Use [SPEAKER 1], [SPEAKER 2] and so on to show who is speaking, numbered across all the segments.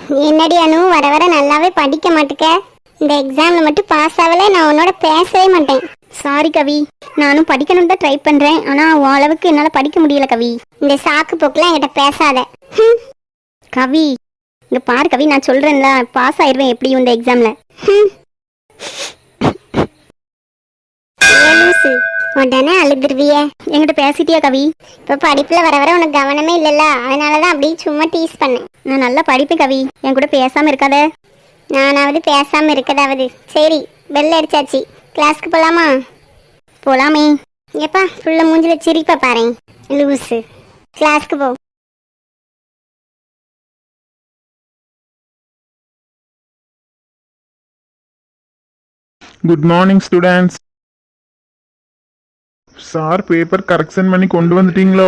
[SPEAKER 1] என்னடி அனு, வர வர நல்லாவே படிக்க மாட்டுக்க. இந்த எக்ஸாம்ல மட்டும் பாஸ் ஆகல, நான் உன்னோட பேசவே மாட்டேன்.
[SPEAKER 2] சாரி கவி, நானும் படிக்கணும்னு தான் ட்ரை பண்றேன். ஆனா உன் அளவுக்கு என்னால படிக்க முடியல கவி.
[SPEAKER 1] இந்த சாக்கு போக்குலாம் என்கிட்ட பேசாத.
[SPEAKER 2] கவி இங்க பாரு கவி, நான் சொல்றேன்ல பாஸ் ஆயிருவேன் எப்படியும் இந்த எக்ஸாம்ல.
[SPEAKER 1] லூசு, உடனே அழுதுருவிய.
[SPEAKER 2] என்கிட்ட பேசிட்டியா கவி?
[SPEAKER 1] இப்போ படிப்புல வர வர உனக்கு கவனமே இல்லைல்ல, அதனாலதான் அப்படியே சும்மா டீஸ் பண்ணேன்.
[SPEAKER 2] நான் நல்லா படிப்பேன் கவி, என் கூட பேசாம இருக்காத.
[SPEAKER 1] நானாவது பேசாம இருக்கதாவது. சரி, பெல் அடிச்சாச்சு, கிளாஸ்க்கு போலாமா?
[SPEAKER 2] போலாமே.
[SPEAKER 1] எப்பா ஃபுல்லா மூஞ்சில சிரிப்பா பாரு லூசு. கிளாஸ்க்கு போ.
[SPEAKER 3] Good morning students. Sir paper correction பண்ணி கொண்டு வந்துட்டீங்களோ?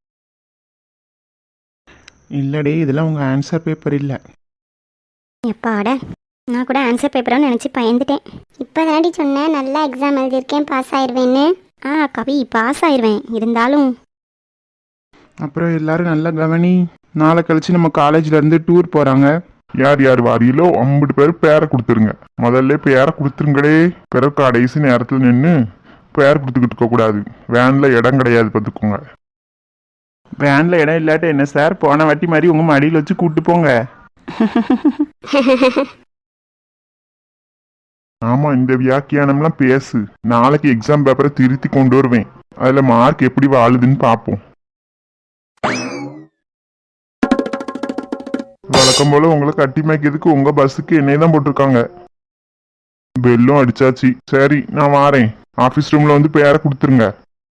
[SPEAKER 3] இல்லடே, இதெல்லாம் உங்க ஆன்சர் பேப்பர் இல்லை.
[SPEAKER 2] எப்பாட, நான் கூட ஆன்சர் பேப்பரான்னு நினச்சி பயந்துட்டேன்.
[SPEAKER 1] இப்போ தாண்டி சொன்னேன் நல்லா எக்ஸாம் எழுதியிருக்கேன், பாஸ் ஆயிடுவேன்னு.
[SPEAKER 2] கவி பாஸ் ஆயிடுவேன், இருந்தாலும்.
[SPEAKER 3] அப்புறம் எல்லாரும் நல்லா கவனி. நாளை கழிச்சு நம்ம காலேஜ்ல இருந்து டூர் போறாங்க. யார் யார் வாரியிலோ 50 பேர் பேரை கொடுத்துருங்க. முதல்ல பேரை கொடுத்துருங்களே. பிறகு கடைசி நேரத்தில் நின்று பேர் கொடுத்துக்கிட்டு இருக்க கூடாது. வேன்ல இடம் கிடையாது பார்த்துக்கோங்க. வேன்ல இடம் இல்லாட்ட என்ன சார், போன வாட்டி மாதிரி உங்க மடியில் வச்சு கூப்பிட்டு போங்க. ஆமா, இந்த வியாக்கியானம்லாம் பேசு. நாளைக்கு எக்ஸாம் பேப்பரை திருத்தி கொண்டு வருவேன். அதுல மார்க் எப்படி வாழுதுன்னு பார்ப்போம். வழக்கம் போல உங்களை கட்டி மேய்க்கிறதுக்கு உங்க பஸ்ஸுக்கு என்னைய தான் போட்டிருக்காங்க. பெல்லும் அடிச்சாச்சு. சரி, நான் வாரேன். ஆபீஸ் ரூம்ல வந்து பேரை கொடுத்துருங்க.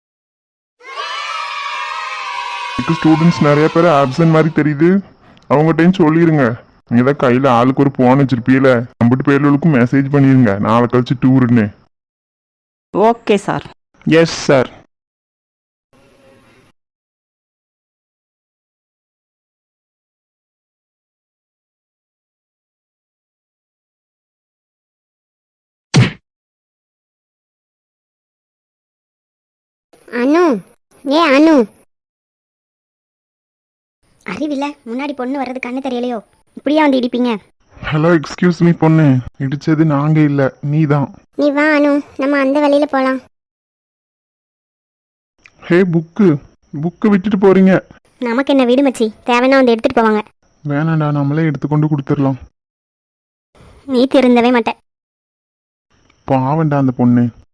[SPEAKER 3] ஸ்டூடெண்ட்ஸ் நிறைய பேர் ஆப்சன்ட் மாதிரி தெரியுது. அவங்ககிட்டையும் சொல்லிருங்க. நீங்க தான் கையில ஆளுக்கு ஒரு போன் வச்சிருப்பீல, 50 பேர்களுக்கும் மெசேஜ் பண்ணிருங்க நாளை கழிச்சு டூருன்னு.
[SPEAKER 4] Okay sir.
[SPEAKER 3] Yes sir.
[SPEAKER 1] Anu, ஏ அனு.
[SPEAKER 2] அறிவில்ல, முன்னாடி பொண்ணு வர்றது கண்ணு தெரியலையோ? இப்படியா வந்து இடிப்பீங்க?
[SPEAKER 3] ஹலோ, எக்ஸ்கியூஸ் மீ பொண்ணு. இடிச்சது நாங்க இல்ல, நீ தான்.
[SPEAKER 1] நீ வா அனு, நம்ம அந்த வழியில போலாம்.
[SPEAKER 3] ஹே, புக்கு விட்டுட்டு போறீங்க.
[SPEAKER 2] நமக்கு என்ன வீடு மச்சி, தேவைன்னா வந்து எடுத்துட்டு போவாங்க.
[SPEAKER 3] வேணாண்டா, நம்மளே எடுத்துக்கொண்டு கொடுத்துடலாம்.
[SPEAKER 2] நீ திருந்தவே மாட்டேன்.
[SPEAKER 3] பாவண்டா அந்த பொண்ணு.